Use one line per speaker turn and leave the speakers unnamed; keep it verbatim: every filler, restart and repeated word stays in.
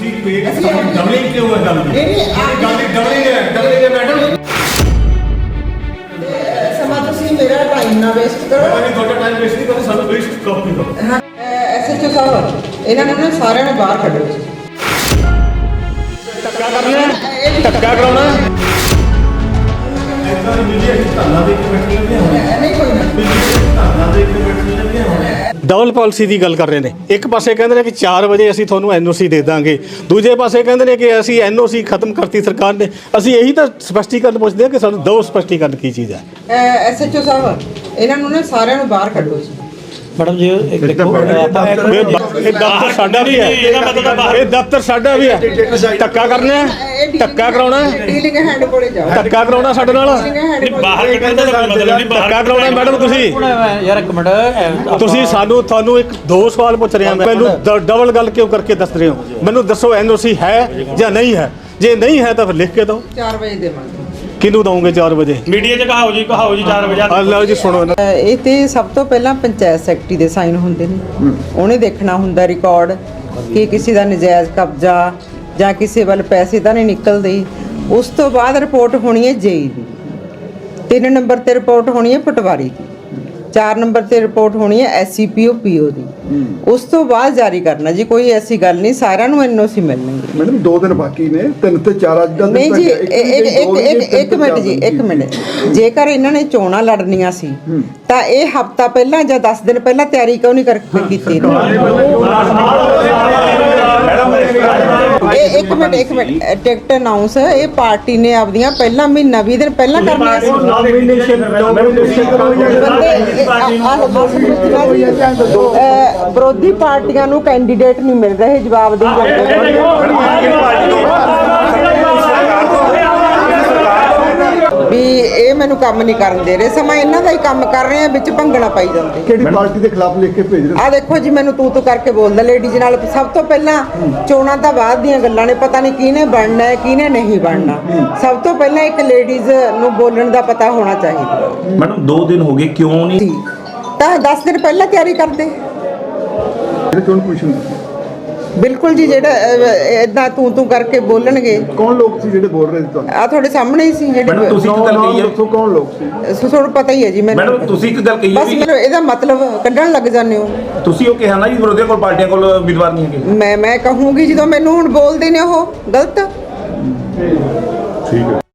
ਤੁਸੀਂ ਡਬਲਿੰਗ ਕਿਉਂ ਹੈ? ਡਬਲਿੰਗ ਡਬਲਿੰਗ ਹੈ ਡਬਲਿੰਗ ਹੈ ਮੈਡਮ।
ਸਮਾਂ ਤੁਸੀਂ ਮੇਰਾ ਟਾਈਮ ਨਾ ਵੇਸਟ ਕਰੋ।
ਮੈਂ ਤੁਹਾਡਾ ਟਾਈਮ ਵੇਸਟ ਨਹੀਂ ਕਰਦਾ, ਸਾਨੂੰ ਵੇਸਟ ਕਾਪੀ ਕਰੋ।
ਹਾਂ ਐਸਐਚਓ ਸਾਹਿਬ ਇਹਨਾਂ ਨੂੰ ਨਾ ਸਾਰਿਆਂ ਨੂੰ ਬਾਹਰ ਕੱਢੋ।
ਧੱਕਾ ਕਰਨਾ, ਧੱਕਾ ਕਰਾਉਣਾ। ਇਦਾਂ ਮੀਡੀਆ ਦੀ ਧਰਨਾ ਦੇ ਕੇ ਬੈਠੇ ਨੇ ਹੁਣ।
ਨਹੀਂ ਕੋਈ ਨਾ
ਧਰਨਾ ਦੇ ਕੇ ਬੈਠੇ ਨੇ ਹੁਣ।
ਡਬਲ ਪਾਲਿਸੀ ਦੀ ਗੱਲ ਕਰ ਰਹੇ ਨੇ। ਇੱਕ ਪਾਸੇ ਕਹਿੰਦੇ ਨੇ ਕਿ ਚਾਰ ਵਜੇ ਅਸੀਂ ਤੁਹਾਨੂੰ ਐਨਓਸੀ ਦੇ ਦਾਂਗੇ, ਦੂਜੇ ਪਾਸੇ ਕਹਿੰਦੇ ਨੇ ਕਿ ਅਸੀਂ ਐਨਓਸੀ ਖਤਮ ਕਰਤੀ ਸਰਕਾਰ ਨੇ। ਅਸੀਂ ਇਹੀ ਤਾਂ ਸਪਸ਼ਟੀਕਰਨ ਪੁੱਛਦੇ ਹਾਂ ਕਿ ਸਾਨੂੰ ਦੋ ਸਪਸ਼ਟੀਕਰਨ ਕੀ ਚੀਜ਼ ਹੈ।
ਐਸਐਚਓ ਸਾਹਿਬ ਇਹਨਾਂ ਨੂੰ ਨਾ ਸਾਰਿਆਂ ਨੂੰ ਬਾਹਰ ਕੱਢੋ ਜੀ।
ਮੈਡਮ ਜੀ ਇੱਕ ਦੇਖੋ ਇਹ ਦਫ਼ਤਰ ਸਾਡਾ ਵੀ ਹੈ, ਇਹ ਦਫ਼ਤਰ ਸਾਡਾ ਵੀ ਹੈ। ਧੱਕਾ ਕਰਨਾ ਹੈ, ਧੱਕਾ ਕਰਾਉਣਾ ਹੈ,
ਡੀਲਿੰਗ ਹੈਂਡ ਕੋਲੇ ਜਾਓ।
ਧੱਕਾ ਕਰਾਉਣਾ ਸਾਡੇ ਨਾਲ,
ਬਾਹਰ ਕੱਢਣ ਦਾ ਮਤਲਬ ਨਹੀਂ।
ਧੱਕਾ ਕਰਾਉਣਾ ਮੈਡਮ। ਤੁਸੀਂ
ਯਾਰ ਇੱਕ ਮਿੰਟ,
ਤੁਸੀਂ ਸਾਨੂੰ ਤੁਹਾਨੂੰ ਇੱਕ ਦੋ ਸਵਾਲ ਪੁੱਛ ਰਿਹਾ ਮੈਂ, ਮੈਨੂੰ ਡਬਲ ਗੱਲ ਕਿਉਂ ਕਰਕੇ ਦੱਸ ਰਹੇ ਹੋ? ਮੈਨੂੰ ਦੱਸੋ ਐਨਓਸੀ ਹੈ ਜਾਂ ਨਹੀਂ ਹੈ? ਜੇ ਨਹੀਂ ਹੈ ਤਾਂ ਫਿਰ ਲਿਖ ਕੇ ਦਿਓ।
ਚਾਰ ਵਜੇ ਦੇਵਾਂਗੇ।
ਕਿਹਨੂੰ ਦਵੋਗੇ ਚਾਰ ਵਜੇ?
ਮੀਡੀਆ 'ਚ ਕਹਾਓ ਜੀ, ਕਹਾਓ ਜੀ ਚਾਰ ਵਜੇ।
ਆ ਲਓ ਜੀ ਸੁਣੋ।
ਇਹ ਤੇ ਸਭ ਤੋਂ ਪਹਿਲਾਂ ਪੰਚਾਇਤ ਸੈਕਟਰੀ ਦੇ ਸਾਈਨ ਹੁੰਦੇ ਨੇ। ਉਹਨੇ ਦੇਖਣਾ ਹੁੰਦਾ ਰਿਕਾਰਡ ਕਿ ਕਿਸੇ ਦਾ ਨਜਾਇਜ਼ ਕਬਜ਼ਾ ਜਾਂ ਕਿਸੇ ਵੱਲ ਪੈਸੇ ਤਾਂ ਨਹੀਂ ਨਿਕਲਦੇ। ਉਸ ਤੋਂ ਬਾਅਦ ਰਿਪੋਰਟ ਹੋਣੀ ਹੈ ਜੇਈ ਦੀ, ਤਿੰਨ ਨੰਬਰ ਤੇ ਰਿਪੋਰਟ ਹੋਣੀ ਹੈ ਪਟਵਾਰੀ ਦੀ, ਚਾਰ ਨੰਬਰ ਤੇ ਰਿਪੋਰਟ ਹੋਣੀ ਹੈ ਐਸਸੀਪੀਓ ਪੀਓ ਦੀ। ਉਸ ਤੋਂ ਬਾਅਦ ਜਾਰੀ ਕਰਨਾ ਜੀ। ਕੋਈ ਐਸੀ ਗੱਲ ਨਹੀਂ, ਸਾਰਿਆਂ ਨੂੰ ਐਨਓਸੀ ਮਿਲਣਗੇ।
ਮੈਡਮ ਦੋ ਦਿਨ ਬਾਕੀ ਨੇ, ਤਿੰਨ ਤੇ ਚਾਰ ਅੱਜ ਦਾ
ਨਹੀਂ ਜੀ ਇੱਕ ਇੱਕ ਇੱਕ ਮਿੰਟ ਜੀ, ਇੱਕ ਮਿੰਟ। ਜੇਕਰ ਇਹਨਾਂ ਨੇ ਚੋਣਾਂ ਲੜਨੀਆਂ ਸੀ ਤਾਂ ਇਹ ਹਫਤਾ ਪਹਿਲਾਂ ਜਾਂ ਦਸ ਦਿਨ ਪਹਿਲਾਂ ਤਿਆਰੀ ਕਿਉਂ ਨਹੀਂ ਕਰ ਕੀਤੀ? ਇਹ ਇੱਕ ਮਿੰਟ ਇੱਕ ਮਿੰਟ ਟਿਕਟ ਅਨਾਉਂਸ ਇਹ ਪਾਰਟੀ ਨੇ ਆਪਦੀਆਂ ਪਹਿਲਾਂ ਮਹੀਨਾ ਵੀਹ ਦਿਨ ਪਹਿਲਾਂ ਕਰਨੀਆਂ ਸੀ। ਵਿਰੋਧੀ ਪਾਰਟੀਆਂ ਨੂੰ ਕੈਂਡੀਡੇਟ ਨਹੀਂ ਮਿਲ ਰਹੇ ਜਵਾਬ ਦੇ। ਵੀ ਇਹ ਮੈਨੂੰ ਕੰਮ ਨਹੀਂ ਕਰਨ ਦੇ ਰਹੇ, ਸਮਾਂ ਇਹਨਾਂ ਦਾ ਹੀ ਕੰਮ ਕਰ ਰਹੇ ਆ, ਵਿੱਚ ਭੰਗਣਾ ਪਾਈ ਜਾਂਦੇ।
ਕਿਹੜੀ ਪਾਰਟੀ ਦੇ ਖਿਲਾਫ ਲਿਖ ਕੇ ਭੇਜ ਰਹੇ?
ਆ ਦੇਖੋ ਜੀ, ਮੈਨੂੰ ਤੂੰ ਤੂੰ ਕਰਕੇ ਬੋਲਦਾ ਲੇਡੀਜ਼ ਨਾਲ। ਸਭ ਤੋਂ ਪਹਿਲਾਂ ਚੋਣਾਂ ਤਾਂ ਬਾਅਦ ਦੀਆਂ ਗੱਲਾਂ ਨੇ, ਪਤਾ ਨਹੀਂ ਕਿਹਨੇ ਬਣਨਾ ਹੈ ਕਿਹਨੇ ਨਹੀਂ ਬਣਨਾ। ਸਭ ਤੋਂ ਪਹਿਲਾਂ ਇੱਕ ਲੇਡੀਜ਼ ਨੂੰ ਬੋਲਣ ਦਾ ਪਤਾ ਹੋਣਾ ਚਾਹੀਦਾ।
ਮੈਡਮ ਦੋ ਦਿਨ ਹੋ ਗਏ, ਕਿਉਂ ਨਹੀਂ?
ਤਾਂ ਦਸ ਦਿਨ ਪਹਿਲਾਂ ਤਿਆਰੀ ਕਰਦੇ।
ਜਿਹੜੇ ਚੋਣ ਕਮਿਸ਼ਨ
ਬਿਲਕੁਲ ਜੀ, ਜਿਹੜਾ ਇਦਾਂ ਤੂੰ ਤੂੰ ਕਰਕੇ ਬੋਲਣਗੇ।
ਕੌਣ ਲੋਕ ਸੀ ਜਿਹੜੇ ਬੋਲ ਰਹੇ ਸੀ ਤੁਹਾਨੂੰ?
ਆ ਤੁਹਾਡੇ ਸਾਹਮਣੇ ਹੀ ਸੀ ਜਿਹੜੇ।
ਮੈਡਮ ਤੁਸੀਂ ਇੱਕ ਗੱਲ ਕਹੀ ਹੈ,
ਦੱਸੋ ਕੌਣ ਲੋਕ ਸੀ?
ਤੁਹਾਨੂੰ ਪਤਾ ਹੀ ਹੈ ਜੀ ਮੈਨੂੰ।
ਮੈਡਮ ਤੁਸੀਂ ਇੱਕ ਗੱਲ ਕਹੀ ਹੈ
ਬਸ ਮੈਨੂੰ ਇਹਦਾ ਮਤਲਬ ਕੱਢਣ ਲੱਗ ਜਾਂਦੇ ਹੋ।
ਤੁਸੀਂ ਉਹ ਕਿਹਾ ਨਾ ਜੀ ਵਿਰੋਧੀਆਂ ਕੋਲ ਪਾਰਟੀਆਂ ਕੋਲ ਉਮੀਦਵਾਰ ਨਹੀਂ ਹੈਗੇ।
ਮੈਂ ਮੈਂ ਕਹੂੰਗੀ ਜਦੋਂ ਮੈਨੂੰ ਹੁਣ ਬੋਲਦੇ ਨੇ ਉਹ ਗਲਤ।
ਠੀਕ ਹੈ।